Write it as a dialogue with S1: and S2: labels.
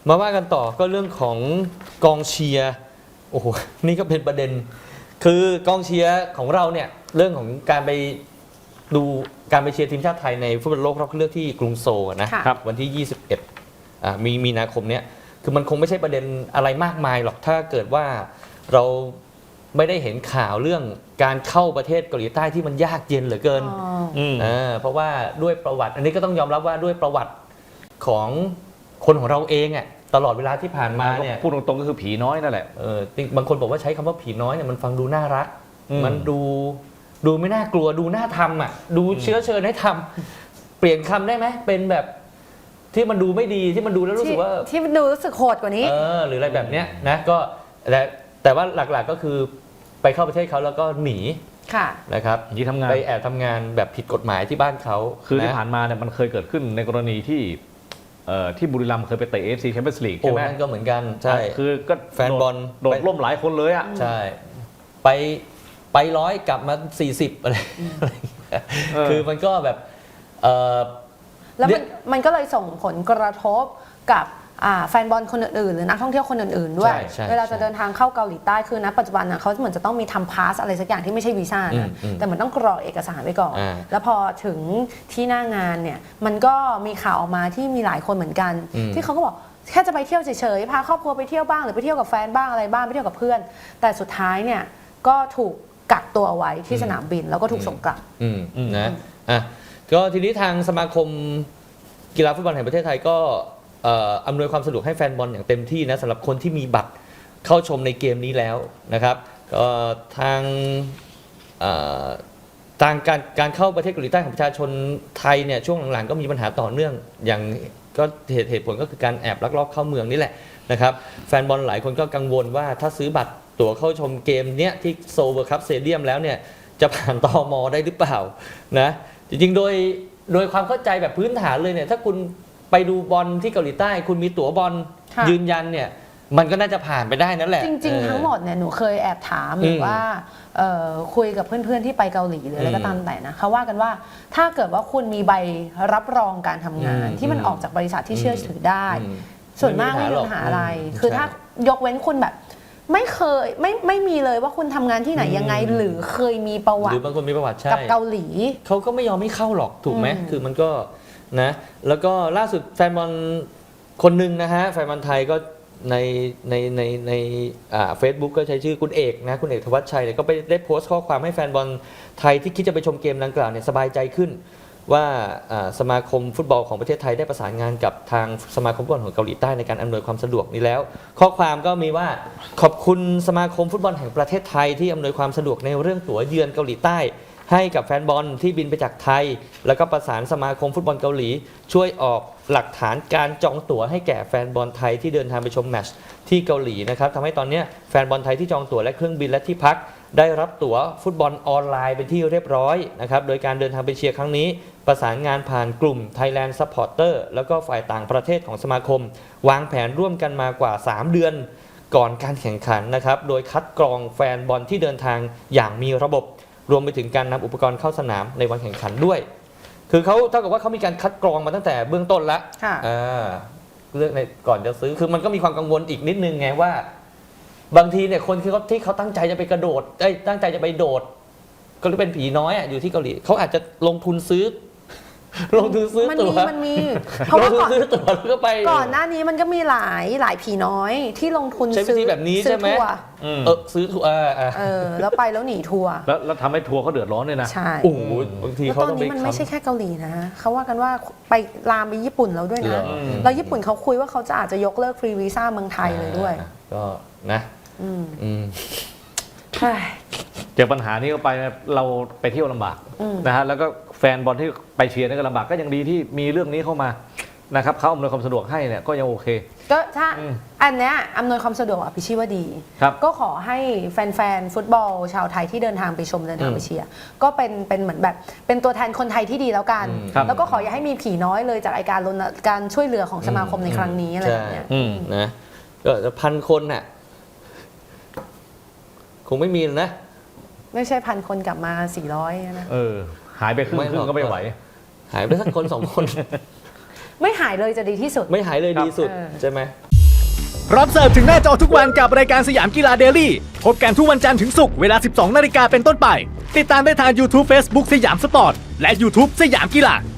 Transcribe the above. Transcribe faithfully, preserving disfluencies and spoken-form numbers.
S1: มาว่ากันต่อก็เรื่องของกองเชียร์โอ้โหนี่ก็เป็นประเด็นคือกองเชียร์ของเราเนี่ยเรื่องของการไปดูการไปเชียร์ทีมชาติไทยในฟุตบอลโลกรอบคัดเลือกที่กรุงโซลนะครับวันที่ยี่สิบเอ็ดอ่ามีมีนาคมเนี้ยคือมันคงไม่ใช่ประเด็นอะไรมากมายหรอกถ้าเกิดว่าเราไม่ได้เห็นข่าวเรื่องการเข้าประเทศเกาหลีใต้ที่มันยากเย็นเหลือเกินอ่าเพราะว่าด้วยประวัติอันนี้ก็ต้องยอมรับว่าด้วยประวัติของคนของเราเองอ่ะตลอดเวลาที่ผ่านมาเนี่ย
S2: พูดตรงๆก็คือผีน้อยนั่นแหละ
S1: เออบางคนบอกว่าใช้คำว่าผีน้อยเนี่ยมันฟังดูน่ารักมันดูดูไม่น่ากลัวดูน่าทำอ่ะดูเชื้อเชิญให้ทำเปลี่ยนคำได้ไหมเป็นแบบที่มันดูไม่ดีที่มันดูแล้วรู้สึกว่า
S3: ที่มันดูรู้สึกโหดกว่านี้
S1: เออหรืออะไรแบบเนี้ยนะก็แต่แต่ว่าหลักๆก็คือไปเข้าประเทศเขาแล้วก็หนีนะครับ
S2: ที่ทำงาน
S1: ไปแอบทำงานแบบผิดกฎหมายที่บ้านเขา
S2: คือที่ผ่านมาเนี่ยมันเคยเกิดขึ้นในกรณีที่ที่บุรีรัมย์เคยไปเตะ เอ เอฟ ซี Champions League ใช่ไหม
S1: นั่นก็เหมือนกันใช่
S2: คือก็
S1: แฟนบอล
S2: โดดล่มหลายคนเลยอ่ะ
S1: ใช่ไปไปร้อยกลับมาสี่สิบอะไรคือมันก็แบบ
S3: แล้วมันมันก็เลยส่งผลกระทบกับแฟนบอลคนอื่นๆหรือนักท่องเที่ยวคนอื่นๆด้วยเวลาจะเดินทางเข้าเกาหลีใต้คือณปัจจุบันเขาเหมือนจะต้องมีทำพาสอะไรสักอย่างที่ไม่ใช่วีซ่านะแต่มันต้องกรอกเอกสารไว้ก่อนแล้วพอถึงที่หน้างานเนี่ยมันก็มีข่าวออกมาที่มีหลายคนเหมือนกันที่เขาก็บอกแค่จะไปเที่ยวเฉยๆพาครอบครัวไปเที่ยวบ้างหรือไปเที่ยวกับแฟนบ้างอะไรบ้างไปเที่ยวกับเพื่อนแต่สุดท้ายเนี่ยก็ถูกกักตัวเอาไว้ที่สนามบินแล้วก็ถูกส่งกลับ
S1: นะอ่ะก็ทีนี้ทางสมาคมกีฬาฟุตบอลแห่งประเทศไทยก็อำนวยความสะดวกให้แฟนบอลอย่างเต็มที่นะสำหรับคนที่มีบัตรเข้าชมในเกมนี้แล้วนะครับทางทางการการเข้าประเทศเกาหลีใต้ของประชาชนไทยเนี่ยช่วงหลังๆก็มีปัญหาต่อเนื่องอย่างก็เหตุเหตุผลก็คือการแอบลักลอบเข้าเมืองนี่แหละนะครับแฟนบอลหลายคนก็กังวลว่าถ้าซื้อบัตรตั๋วเข้าชมเกมเนี้ยที่โซลเวอร์คัพสเตเดียมแล้วเนี่ยจะผ่านตม.ได้หรือเปล่านะจริงๆโดยโดยความเข้าใจแบบพื้นฐานเลยเนี่ยถ้าคุณไปดูบอลที่เกาหลีใต้คุณมีตั๋วบอลยืนยันเนี่ยมันก็น่าจะผ่านไปได้นั่นแหละ
S3: จริงๆทั้งหมดเนี่ยหนูเคยแอบถามหรือว่าคุยกับเพื่อนๆที่ไปเกาหลีหรืออะไรก็ตามแต่นะเขาว่ากันว่าถ้าเกิดว่าคุณมีใบรับรองการทำงานที่มันออกจากบริษัทที่เชื่อถือได้ส่วนมากไม่มีปัญหาอะไรคือถ้ายกเว้นคุณแบบไม่เคยไม่ไม่มีเลยว่าคุณทำงานที่ไหนยังไงหรือเคยมีประวัติ
S1: หรือบางคนมีประวัติใช่
S3: กับเกาหลี
S1: เขาก็ไม่ยอมให้เข้าหรอกถูกไหมคือมันก็นะแล้วก็ล่าสุดแฟนบอลคนหนึ่งนะฮะแฟนบอลไทยก็ในในในในอ่าเฟซบุ๊กก็ใช้ชื่อคุณเอกนะคุณเอกธวัชชัยเนี่ยก็ไปได้โพสต์ข้อความให้แฟนบอลไทยที่คิดจะไปชมเกมดังกล่าวเนี่ยสบายใจขึ้นว่าสมาคมฟุตบอลของประเทศไทยได้ประสานงานกับทางสมาคมฟุตบอลของเกาหลีใต้ในการอำนวยความสะดวกนี้แล้วข้อความก็มีว่าขอบคุณสมาคมฟุตบอลแห่งประเทศไทยที่อำนวยความสะดวกในเรื่องตั๋วเยือนเกาหลีใต้ให้กับแฟนบอลที่บินไปจากไทยแล้วก็ประสานสมาคมฟุตบอลเกาหลีช่วยออกหลักฐานการจองตั๋วให้แก่แฟนบอลไทยที่เดินทางไปชมแมตช์ที่เกาหลีนะครับทำให้ตอนนี้แฟนบอลไทยที่จองตั๋วและเครื่องบินและที่พักได้รับตั๋วฟุตบอลออนไลน์เป็นที่เรียบร้อยนะครับโดยการเดินทางไปเชียร์ครั้งนี้ประสานงานผ่านกลุ่ม Thailand Supporter แล้วก็ฝ่ายต่างประเทศของสมาคมวางแผนร่วมกันมากว่าสามเดือนก่อนการแข่งขันนะครับโดยคัดกรองแฟนบอลที่เดินทางอย่างมีระบบรวมไปถึงการนำอุปกรณ์เข้าสนามในวันแข่งขันด้วยคือเขาเท่ากับว่าเขามีการคัดกรองมาตั้งแต่เบื้องต้นแล้วเรื่องในก่อนจะซื้อคือมันก็มีความกังวลอีกนิดนึงไงว่าบางทีเนี่ยคนที่เขาที่เขาตั้งใจจะไปกระโดดเอ้ยตั้งใจจะไปโดดก็เป็นผีน้อยอ่ะอยู่ที่เกาหลีเขาอาจจะลงทุนซื้อลงทุนซื้อตั๋ว
S3: มันมีเพราะว่าก่อน
S1: ซื้อตั๋วแล้วก็ไป
S3: ก่อนหน้านี้มันก็มีหลายหลายผีน้อยที่ลงทุน
S1: ซื้อแบบนี้ใช่ไหมเออซื้อทัวร์
S3: เออแล้วไปแล้วหนีทัวร์
S2: แล้วแล้วทำให้ทัวร์เขาเดือดร้อนเลยนะ
S3: ใช่
S1: โอ้โหบางทีเขา
S3: ตอนนี้มันไม่ใช่แค่เกาหลีนะเขาว่ากันว่าไปลามไปญี่ปุ่นแล้วด้วยนะแล้วญี่ปุ่นเขาคุยว่าเขาจะอาจจะยกเลิกฟรีวีซ่าเมืองไทยเลยด้วย
S1: ก็นะอืมอืม
S2: เจอปัญหานี้เข้าไปเราไปเที่ยวลำบากนะฮะแล้วก็แฟนบอลที่ไปเชียร์นี่ก็ลำบากก็ยังดีที่มีเรื่องนี้เข้ามานะครับเขาอำนวยความสะดวกให้เนี่ยก็ยังโอเค
S3: ก็ถ้าอันเนี้ยอำนวยความสะดวกอ่ะพี่ชี้ว่าดีก็ขอให้แฟนๆฟุตบอลชาวไทยที่เดินทางไปชมเดินทางไปเชียร์ก็เป็นเป็นเหมือนแบบเป็นตัวแทนคนไทยที่ดีแล้วกันแล้วก็ขออย่าให้มีผีน้อยเลยจากการรณการช่วยเหลือของสมาคมในครั้งนี้อะไรแบบเนี้ย
S1: นะก็จะพันคนน่ะคงไม่มีนะ
S3: ไม่ใช่พันคนกลับมาสี่ร้อยนะ
S2: เออหายไปครึ่งครึ่งก็ไม่ไหว
S1: หายไปสักคนสองคน
S3: ไม่หายเลยจะดีที่สุด
S1: ไม่หายเลยดีสุดใช่ไหม
S4: พร้อมเสิร์ฟถึงหน้าจอทุกวันกับรายการสยามกีฬาเดลี่พบกันทุกวันจันทร์ถึงศุกร์เวลา สิบสองนาฬิกาเป็นต้นไปติดตามได้ทาง YouTube Facebook สยามสปอร์ตและ YouTube สยามกีฬา